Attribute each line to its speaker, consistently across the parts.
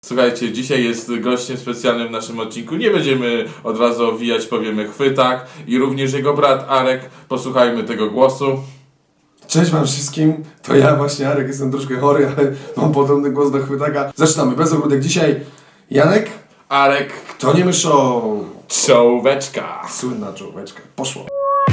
Speaker 1: Słuchajcie, dzisiaj jest gościem specjalnym w naszym odcinku. Nie będziemy od razu owijać, powiemy chwytak i również jego brat Arek. Posłuchajmy tego głosu.
Speaker 2: Cześć wam wszystkim, to ja właśnie Arek, jestem troszkę chory, ale mam podobny głos do chwytaka. Zaczynamy, bez ogródek. Dzisiaj Janek,
Speaker 1: Arek,
Speaker 2: to nie my show.
Speaker 1: czołóweczka.
Speaker 2: Słynna czołóweczka, poszło.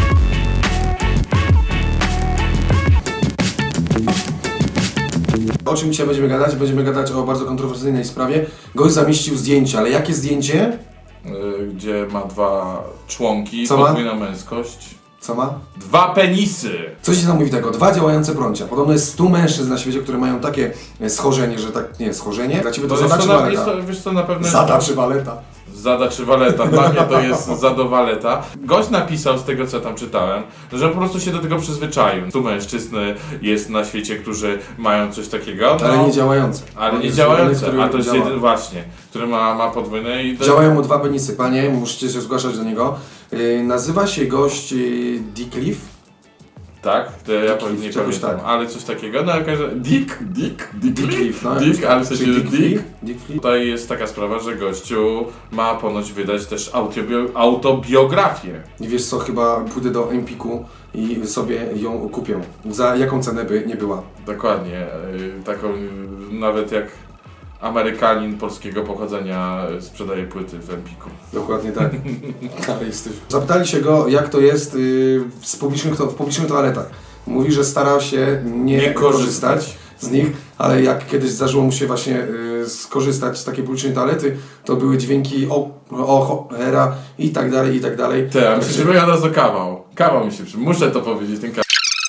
Speaker 2: O czym dzisiaj będziemy gadać? Będziemy gadać o bardzo kontrowersyjnej sprawie. Gość zamieścił zdjęcie, ale jakie zdjęcie?
Speaker 1: Gdzie ma dwa członki,
Speaker 2: Co ma?
Speaker 1: podwójna męskość.
Speaker 2: Co ma?
Speaker 1: Dwa penisy.
Speaker 2: Co się tam mówi tego? 2 działające prącia. Podobno jest 100 mężczyzn na świecie, które mają takie schorzenie, że tak, nie, schorzenie? Dla ciebie to zada czy waleta?
Speaker 1: Wiesz co, na pewno
Speaker 2: Zada czy waleta?
Speaker 1: Zada czy waleta. Dla mnie to jest zadowaleta. Gość napisał z tego, co tam czytałem, że po prostu się do tego przyzwyczaił. Tu mężczyzn jest na świecie, którzy mają coś takiego. No,
Speaker 2: Ale nie działające.
Speaker 1: Ale nie
Speaker 2: jest
Speaker 1: działające.
Speaker 2: jeden,
Speaker 1: A to jest
Speaker 2: działa.
Speaker 1: jeden właśnie, który ma podwójne i...
Speaker 2: Działają mu 2 penisy, panie, musicie się zgłaszać do niego. Nazywa się gość Dickliff.
Speaker 1: Tak? To ja
Speaker 2: Dick
Speaker 1: nie
Speaker 2: Cliff, czegoś
Speaker 1: pamiętam,
Speaker 2: tak.
Speaker 1: ale coś takiego. No jakaś...
Speaker 2: Dickliff, no.
Speaker 1: Dick, ale w sensie
Speaker 2: Czy
Speaker 1: Dick.
Speaker 2: Dickliff?
Speaker 1: Tutaj jest taka sprawa, że gościu ma ponoć wydać też autobiografię.
Speaker 2: Nie wiesz co, chyba pójdę do Empiku i sobie ją kupię. Za jaką cenę by nie była.
Speaker 1: Dokładnie. Taką nawet jak Amerykanin polskiego pochodzenia sprzedaje płyty w Empiku.
Speaker 2: Dokładnie tak. Ale jesteś. Zapytali się go, jak to jest w publicznych toaletach. Mówi, że starał się nie korzystać z nich, ale jak kiedyś zdarzyło mu się właśnie skorzystać z takiej publicznej toalety, to były dźwięki cholera i tak dalej, i tak dalej.
Speaker 1: Ty, a mi się przypomina od razu kawał. Kawał mi się przypomina. Muszę to powiedzieć, ten kawał.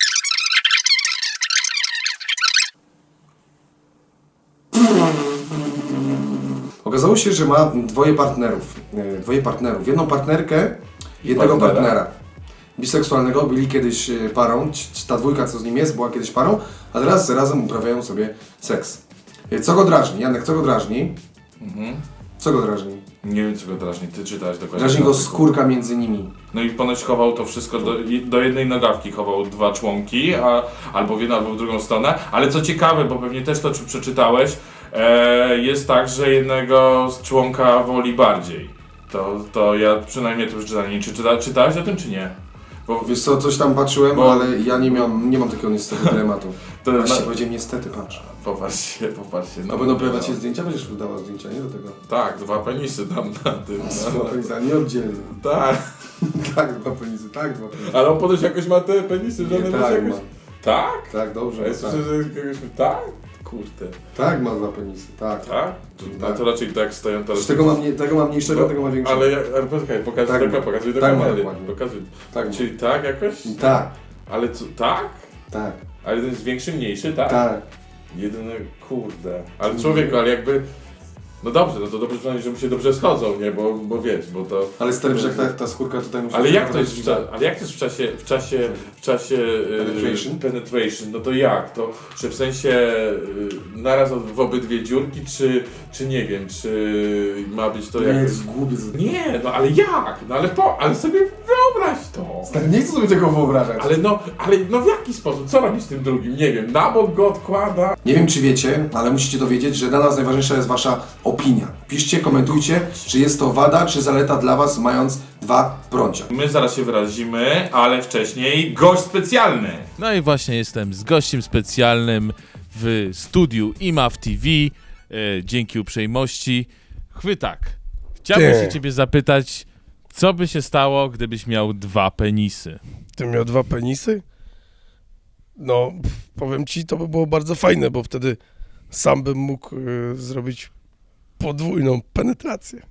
Speaker 2: Okazało się, że ma dwoje partnerów. Jedną partnerkę, jednego partnera. Biseksualnego, byli kiedyś parą, ta dwójka co z nim jest, była kiedyś parą, a teraz razem uprawiają sobie seks. Co go drażni? Janek, co go drażni? Co go drażni?
Speaker 1: Nie wiem, co go drażni. Ty czytałeś dokładnie.
Speaker 2: Drażni go skórka między nimi.
Speaker 1: No i ponoć chował to wszystko do jednej nogawki, chował 2 członki, albo w jedną, albo w drugą stronę. Ale co ciekawe, bo pewnie też to przeczytałeś, jest tak, że jednego z członka woli bardziej. To ja przynajmniej to przeczytałem. Nie, czy czytałeś o tym, czy nie? Bo
Speaker 2: Wiesz co, coś tam patrzyłem, ale ja nie mam takiego niestety dylematu.
Speaker 1: To
Speaker 2: Właśnie powiedziałem niestety, patrz.
Speaker 1: Popatrzcie.
Speaker 2: A będą pojawiać się zdjęcia? Będziesz wydała zdjęcia, nie do tego?
Speaker 1: Tak, 2 penisy tam na tym.
Speaker 2: Dwa penisy, a nie oddzielnie.
Speaker 1: Tak,
Speaker 2: Tak, 2 penisy, tak, 2 penisy.
Speaker 1: ale on ponoć jakoś ma te penisy, że
Speaker 2: Nie,
Speaker 1: one
Speaker 2: tak,
Speaker 1: jakoś...
Speaker 2: ma.
Speaker 1: Tak?
Speaker 2: Tak, dobrze,
Speaker 1: A ja
Speaker 2: tak.
Speaker 1: słyszę, że kogoś... Tak? Kurde.
Speaker 2: Tak, ma 2 penisy, tak.
Speaker 1: Tak? To raczej tak stoją to.
Speaker 2: Tego ma mniejszego, tego ma większego.
Speaker 1: Ale poczekaj, pokazuj
Speaker 2: Tak,
Speaker 1: tego, pokazuj do
Speaker 2: tak,
Speaker 1: kamery.
Speaker 2: dokładnie.
Speaker 1: Pokazuj.
Speaker 2: Tak,
Speaker 1: Czyli tak jakoś?
Speaker 2: tak,
Speaker 1: Ale co, tak?
Speaker 2: tak,
Speaker 1: Ale jeden jest większy, mniejszy, tak?
Speaker 2: tak.
Speaker 1: Jedyny, kurde. Ale człowieku, ale jakby... No dobrze, no to dobrze przynajmniej, że mu się dobrze schodzą, nie? Bo wiesz, bo to...
Speaker 2: Ale stary, że ta skórka tutaj musi...
Speaker 1: Ale jak to jest w czasie penetration, no to jak? To, że w sensie naraz w obydwie dziurki, czy nie wiem, czy ma być to
Speaker 2: Nie,
Speaker 1: jakoś...
Speaker 2: jest głupiec.
Speaker 1: Nie, no ale jak? No ale sobie wyobraź to.
Speaker 2: Stary, nie chcę sobie tego wyobrażać.
Speaker 1: Ale w jaki sposób? Co robi z tym drugim? Nie wiem, na bok go odkłada.
Speaker 2: Nie wiem, czy wiecie, ale musicie dowiedzieć, że dla nas najważniejsza jest wasza opinia. Piszcie, komentujcie, czy jest to wada, czy zaleta dla was, mając 2 prącia.
Speaker 1: My zaraz się wyrazimy, ale wcześniej gość specjalny.
Speaker 3: No i właśnie jestem z gościem specjalnym w studiu IMAW TV. Dzięki uprzejmości. Chwytak, chciałbym się ciebie zapytać, co by się stało, gdybyś miał 2 penisy?
Speaker 4: Gdybym miał 2 penisy? No, powiem ci, to by było bardzo fajne, bo wtedy sam bym mógł zrobić podwójną penetrację.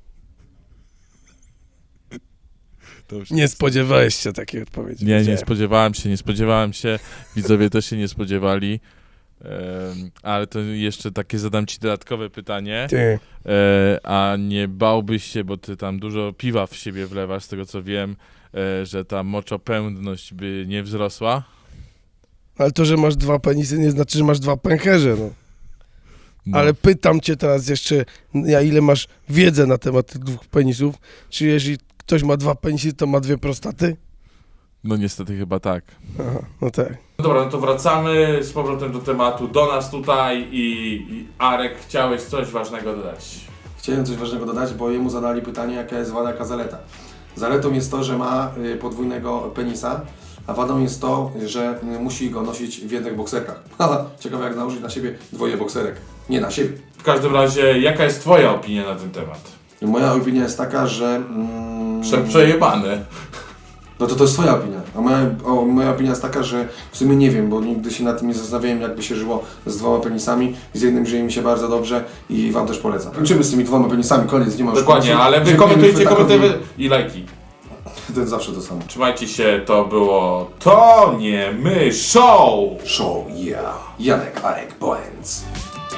Speaker 4: Nie spodziewałeś się takiej odpowiedzi.
Speaker 3: Nie
Speaker 4: wiedziałem.
Speaker 3: spodziewałem się. Widzowie też się nie spodziewali. Ale to jeszcze takie zadam ci dodatkowe pytanie.
Speaker 4: Ty,
Speaker 3: A nie bałbyś się, bo ty tam dużo piwa w siebie wlewasz, z tego co wiem, że ta moczopędność by nie wzrosła?
Speaker 4: ale to, że masz 2 penisy, nie znaczy, że masz 2 pęcherze, no.
Speaker 3: No.
Speaker 4: Ale pytam cię teraz jeszcze, ile masz wiedzę na temat tych 2 penisów? Czy jeżeli ktoś ma 2 penisy, to ma 2 prostaty?
Speaker 3: No niestety chyba tak.
Speaker 4: Aha, no tak.
Speaker 1: No dobra, no to wracamy z powrotem do tematu, do nas tutaj i Arek, chciałeś coś ważnego dodać.
Speaker 2: Chciałem coś ważnego dodać, bo jemu zadali pytanie, jaka jest wada, jaka zaleta. Zaletą jest to, że ma podwójnego penisa, a wadą jest to, że musi go nosić w jednych bokserkach. Haha, ciekawe jak założyć na siebie dwoje bokserek. Nie na siebie.
Speaker 1: W każdym razie, jaka jest twoja opinia na ten temat?
Speaker 2: I moja opinia jest taka, że...
Speaker 1: Przejebany.
Speaker 2: No to jest twoja opinia. A moja opinia jest taka, że w sumie nie wiem, bo nigdy się nad tym nie zastanawiałem, jakby się żyło z dwoma penisami. Z jednym żyje mi się bardzo dobrze i wam też polecam. Kończymy z tymi dwoma penisami, koniec, nie ma już
Speaker 1: Dokładnie,
Speaker 2: końca.
Speaker 1: ale wy
Speaker 2: Dziękujemy
Speaker 1: komentujcie,
Speaker 2: Fetakowi.
Speaker 1: komentujcie i lajki.
Speaker 2: To jest zawsze to samo.
Speaker 1: Trzymajcie się, to było To nie my show!
Speaker 2: Show, yeah. Janek, Arek, Boens.